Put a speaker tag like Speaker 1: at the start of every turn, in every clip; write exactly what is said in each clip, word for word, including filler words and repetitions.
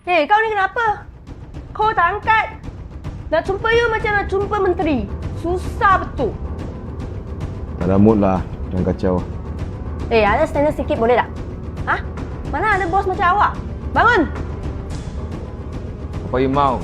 Speaker 1: Hei, kau ni kenapa? Kau tak angkat. Nak jumpa you macam nak jumpa menteri. Susah betul.
Speaker 2: Tak ada mood lah. Jangan kacau.
Speaker 1: Eh, ada standard sikit boleh tak? Ha? Mana ada bos macam awak? Bangun!
Speaker 2: Apa you mau?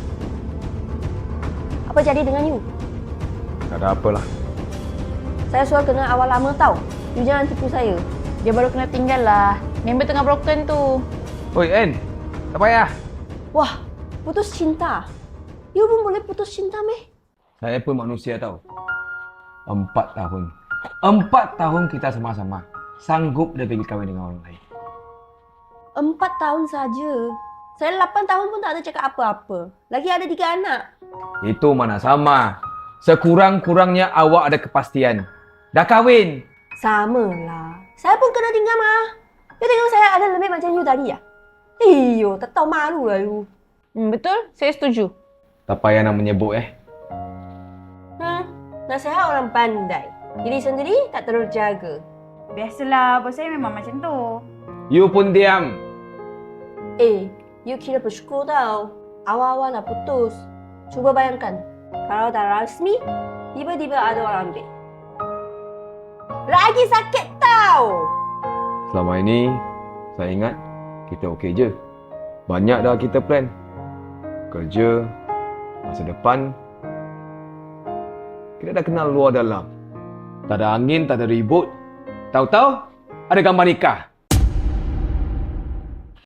Speaker 1: Apa jadi dengan you?
Speaker 2: Tak ada apalah.
Speaker 1: Saya suruh kenal awal lama tau. You jangan tipu saya.
Speaker 3: Dia baru kena tinggal lah. Member tengah broken tu.
Speaker 2: Oi, En. Tak payah.
Speaker 1: Wah, putus cinta. You pun boleh putus cinta meh?
Speaker 2: Saya pun manusia tau. Empat tahun. Empat tahun kita sama-sama. Sanggup dia pergi kahwin dengan orang lain.
Speaker 1: Empat tahun saja. Saya lapan tahun pun tak ada cakap apa-apa. Lagi ada tiga anak.
Speaker 2: Itu mana sama. Sekurang-kurangnya awak ada kepastian. Dah kahwin.
Speaker 1: Sama lah. Saya pun kena tinggal mah. You tengok saya ada lebih macam you tadi ya? Iyo, tak tahu malu lah you.
Speaker 3: Hmm, betul, saya setuju.
Speaker 2: Tak payah nak menyebut eh.
Speaker 1: Hmm, nasihat orang pandai. Diri sendiri tak terjaga.
Speaker 3: Biasalah, bos saya memang macam tu.
Speaker 2: You pun diam.
Speaker 1: Eh, you kira bersyukur tau. Awal-awal nak putus. Cuba bayangkan. Kalau dah rasmi, tiba-tiba ada orang ambil. Lagi sakit tau.
Speaker 2: Selama ini, saya ingat kita okey je. Banyak dah kita plan. Kerja, masa depan. Kita dah kenal luar dalam. Tak ada angin, tak ada ribut. Tahu-tahu, ada gambar nikah.